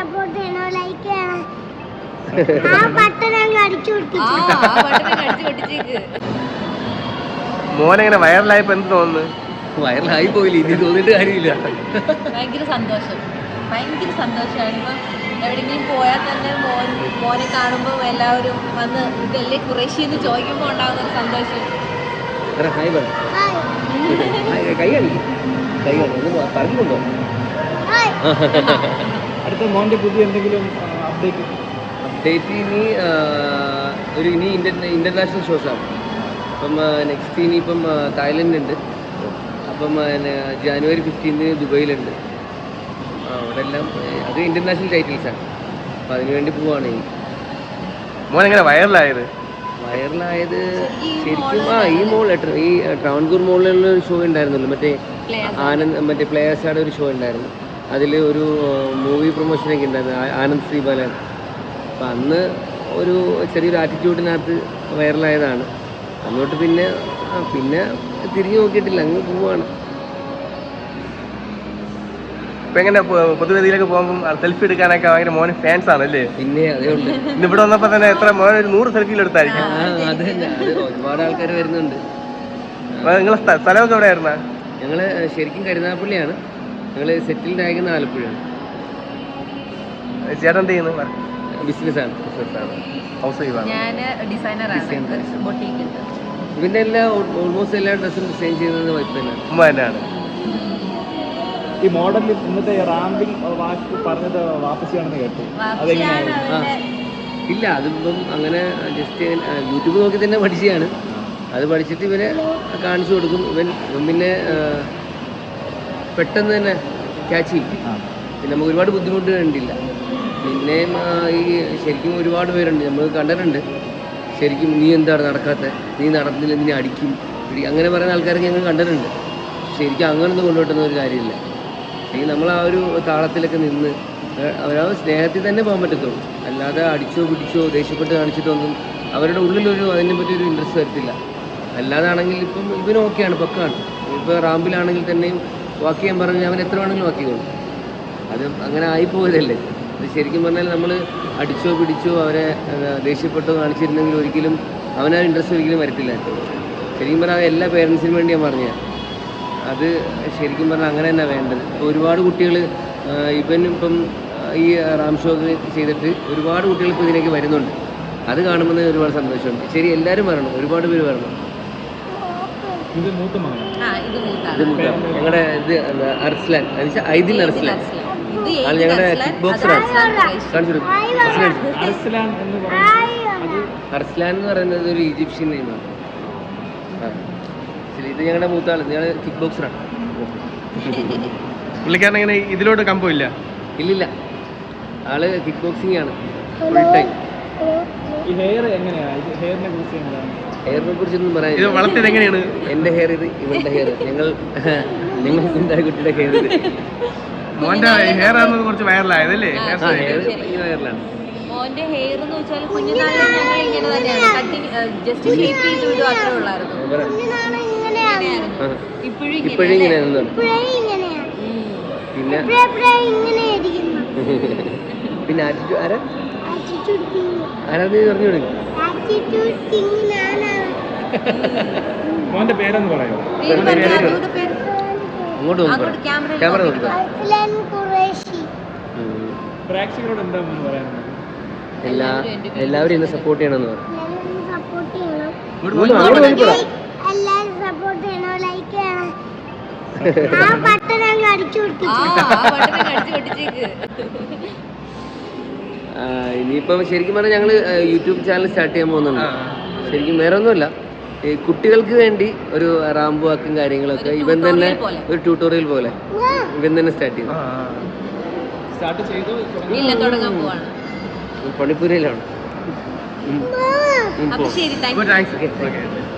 Support ചെയ്യണോ, like ചെയ്യണം. ആ ബട്ടൺ അങ്ങ് അടിച്ചു പൊട്ടിച്ചേക്ക്. മോനെങ്ങനെ വൈറലായപ്പോ എന്ത് തോന്നുന്നു? വൈറലായി പോയില്ല, ഇനി തോന്നിട്ട് കാര്യമില്ല. ഭയങ്കര സന്തോഷമാണ്. ഇപ്പം എവിടെയെങ്കിലും പോയാൽ തന്നെ മോനെ കാണുമ്പോൾ എല്ലാവരും വന്ന് ഇതല്ലേ ഖുറൈശി എന്ന് ചോദിക്കുമ്പോൾ ഉണ്ടാകുന്ന ഒരു സന്തോഷം. ഹായ് പറ, കൈ കാണിക്കും, കൈ കാണിക്കും, പറഞ്ഞിട്ടുണ്ടോ? അടുത്ത മോൻ്റെ പുതിയ എന്തെങ്കിലും അപ്ഡേറ്റ്? ഇനി ഇന്റർനാഷണൽ ഷോസാണ്. അപ്പം നെക്സ്റ്റ് ഇനിയിപ്പം തായ്ലൻഡ് ഉണ്ട്, അപ്പം ജാനുവരി 15 ദുബൈയിലുണ്ട്. അവിടെ എല്ലാം അത് ഇന്റർനാഷണൽ ടൈറ്റിൽസാണ്. അപ്പം അതിനുവേണ്ടി പോവാണ്. മോനെങ്ങനെ വൈറലായത്? ശരിക്കും ഈ ട്രാവൻകൂർ മോളിലുള്ള ഒരു ഷോ ഉണ്ടായിരുന്നല്ലോ, മറ്റേ പ്ലേയേഴ്സാണ് ഒരു ഷോ ഉണ്ടായിരുന്നു. അതിൽ ഒരു മൂവി പ്രൊമോഷനൊക്കെ ഉണ്ടായിരുന്നു, ആനന്ദ് ശ്രീബാലൻ. അപ്പം അന്ന് ഒരു ചെറിയൊരു ആറ്റിറ്റ്യൂഡിനകത്ത് വൈറലായതാണ്. അങ്ങോട്ട് പിന്നെ തിരിഞ്ഞു നോക്കിയിട്ടില്ല, അങ്ങ് പോവാണ്. ഇപ്പൊ എങ്ങനെ പൊതുവേദിയിലേക്ക് പോകുമ്പോൾ സെൽഫി എടുക്കാനൊക്കെ ഭയങ്കര മോന് ഫാൻസ് ആണല്ലേ? പിന്നെ അതേയുണ്ട്. ഇന്ന് ഇവിടെ വന്നപ്പോ തന്നെ എത്ര മോനെ 100 സെൽഫിയിൽ എടുത്തായിരിക്കും. അത് തന്നെ, ഒരുപാട് ആൾക്കാർ വരുന്നുണ്ട്. നിങ്ങളെ സ്ഥലമൊക്കെ എവിടെയായിരുന്ന? ഞങ്ങള് ശരിക്കും കരുനാഗപ്പള്ളിയാണ്, ഞങ്ങള് സെറ്റിൽഡ് ആയിരിക്കുന്ന ആലപ്പുഴയാണ്. ചേട്ടൻ എന്ത് ചെയ്യുന്നു? ബിസിനസ്സാണ്. ഹൗസ് വൈഫാണ്. ഞാൻ ഡിസൈനറാണ്, ബൊട്ടീക്ക്. ഇതിന്റെ ഓൾമോസ്റ്റ് എല്ലാ ഡ്രസ്സും ഡിസൈൻ ചെയ്യുന്നത് വൈഫ് തന്നെയാണ്, ഉമ്മ തന്നെയാണ്. ഈ മോഡലിൽ ഇന്നത്തെ റാമ്പിൽ വാക്ക് പറഞ്ഞത് വാപ്പസിയാണെന്ന് കേട്ടു, അതെങ്ങനെയാണ്? ഇല്ല, അതിപ്പം അങ്ങനെ ജസ്റ്റ് യൂട്യൂബ് നോക്കി തന്നെ പഠിച്ചതാണ്. അത് പഠിച്ചിട്ട് ഇവരെ കാണിച്ചു കൊടുക്കും. ഇവൻ പിന്നെ പെട്ടെന്ന് തന്നെ ക്യാച്ച് ചെയ്യും. പിന്നെ നമുക്ക് ഒരുപാട് ബുദ്ധിമുട്ട് കണ്ടില്ല. പിന്നെയും ഈ ശരിക്കും ഒരുപാട് പേരുണ്ട്, നമ്മൾ കണ്ടിട്ടുണ്ട്. ശരിക്കും നീ എന്താണ് നടക്കാത്ത, നീ നടന്നില്ല, നിന്നെ അടിക്കും, അങ്ങനെ പറയുന്ന ആൾക്കാരൊക്കെ ഞങ്ങൾ കണ്ടിട്ടുണ്ട്. ശരിക്കും അങ്ങനൊന്നും കൊണ്ടുപോട്ടുന്ന ഒരു കാര്യമില്ല. ശരിക്കും നമ്മൾ ആ ഒരു താളത്തിലൊക്കെ നിന്ന് അവരാ സ്നേഹത്തിൽ തന്നെ പോകാൻ പറ്റത്തുള്ളൂ. അല്ലാതെ അടിച്ചോ പിടിച്ചോ ദേഷ്യപ്പെട്ട് കാണിച്ചിട്ടൊന്നും അവരുടെ ഉള്ളിലൊരു അതിനെ പറ്റിയൊരു ഇൻട്രസ്റ്റ് വരത്തില്ല. അല്ലാതാണെങ്കിൽ ഇപ്പം ഇവന് ഓക്കെയാണ്, പക്കാണ്. ഇപ്പോൾ റാമ്പിലാണെങ്കിൽ തന്നെയും വാക്ക് ചെയ്യാൻ പറഞ്ഞാൽ അവൻ എത്ര വേണമെങ്കിലും വാക്ക് ചെയ്തോളും. അത് അങ്ങനെ ആയിപ്പോയതല്ലേ. അത് ശരിക്കും പറഞ്ഞാൽ നമ്മൾ അടിച്ചോ പിടിച്ചോ അവരെ ദേഷ്യപ്പെട്ടോ കാണിച്ചിരുന്നെങ്കിൽ ഒരിക്കലും അവനാ ഇൻട്രസ്റ്റ് ഒരിക്കലും വരത്തില്ല. ശരിക്കും പറഞ്ഞാൽ എല്ലാ പേരൻസിനും വേണ്ടി ഞാൻ പറഞ്ഞാൽ അത് ശരിക്കും പറഞ്ഞാൽ അങ്ങനെ തന്നെ വേണ്ടത്. ഇപ്പോൾ ഒരുപാട് കുട്ടികൾ ഇപ്പം ഈ റാം ഷോ ചെയ്തിട്ട് ഒരുപാട് കുട്ടികൾ ഇപ്പോൾ ഇതിലേക്ക് വരുന്നുണ്ട്. അത് കാണുമ്പോൾ ഒരുപാട് സന്തോഷമുണ്ട്. ശരി, എല്ലാവരും വരണം, ഒരുപാട് പേര് വരണം. ഇത് മൂത്ത മകനാണ്. ഞങ്ങളുടെ ഇത് അർസ്ലാൻ, ഐദിൽ അർസ്ലാൻ ആണ് ഞങ്ങളുടെ കിക്ക് ബോക്സറാണ്. അർസ്ലാൻ എന്ന് പറയുന്നത് ഒരു ഈജിപ്ഷ്യൻ നെയിമാണ്. ശരി, ഇത് ഞങ്ങളുടെ മൂത്ത ആൾ, ഞങ്ങൾ കിക്ക് ബോക്സറാണ്. പുള്ളിക്കാരൻ എങ്ങനെ ഇതിലോട്ട് കമ്പമില്ല? ഇല്ലില്ല, ആള് കിക്ക് ബോക്സിംഗ് ആണ് ഫുൾ ടൈം. ഈ ഹെയർ എങ്ങനെയാണ്? ഹെയറിനെ കുറിച്ച് എന്താണ്? ഹെയറിനെ കുറിച്ചൊന്നും പറയാൻ. ഇത് വളർത്തിയത് എങ്ങനെയാണ്? എൻ്റെ ഹെയർ ഇത്, ഇവളുടെ ഹെയർ, ഞങ്ങൾ കുട്ടിയുടെ ഹെയർ ഇത്. മോന്റെ ഹെയർ ആണെന്ന് കുറച്ച് വൈറലായതല്ലേ? വൈറലാണ്. മോന്റെ ഹെയർ എന്ന് വെച്ചാൽ കുഞ്ഞുനാളിൽ ഞങ്ങൾ ഇങ്ങനെ തന്നെയാണ്, കട്ടിങ് ജസ്റ്റ് ഷേപ്പ് ചെയ്ത് വിടുക അത്രേ ഉള്ളായിരുന്നു. ഇപ്പോഴും ഇങ്ങനെയാണ്. പിന്നെ ആറ്റിറ്റ്യൂഡ് ആരാ പറഞ്ഞു കൊടുക്കും. മോന്റെ പേരെന്ന് പറയോ? അങ്ങോട്ട് ക്യാമറ നോക്കുക. പ്രേക്ഷകരോട് എന്താ പറയാനുള്ളത്? എല്ലാവരും എന്നെ സപ്പോർട്ട് ചെയ്യണമെന്ന് പറഞ്ഞു. ഇനിയിപ്പം ശരിക്കും പറഞ്ഞാൽ ഞങ്ങൾ യൂട്യൂബ് ചാനൽ സ്റ്റാർട്ട് ചെയ്യാൻ പോകുന്നുണ്ട്. ശരിക്കും വേറെ ഒന്നുമില്ല, ഈ കുട്ടികൾക്ക് വേണ്ടി ഒരു റാമ്പ് വാക്കും കാര്യങ്ങളൊക്കെ ഇവൻ തന്നെ ഒരു ട്യൂട്ടോറിയൽ പോലെ ഇവൻ തന്നെ സ്റ്റാർട്ട് ചെയ്തു. പണിപ്പൂരയിലാണ്. ശരി, താങ്ക് യു.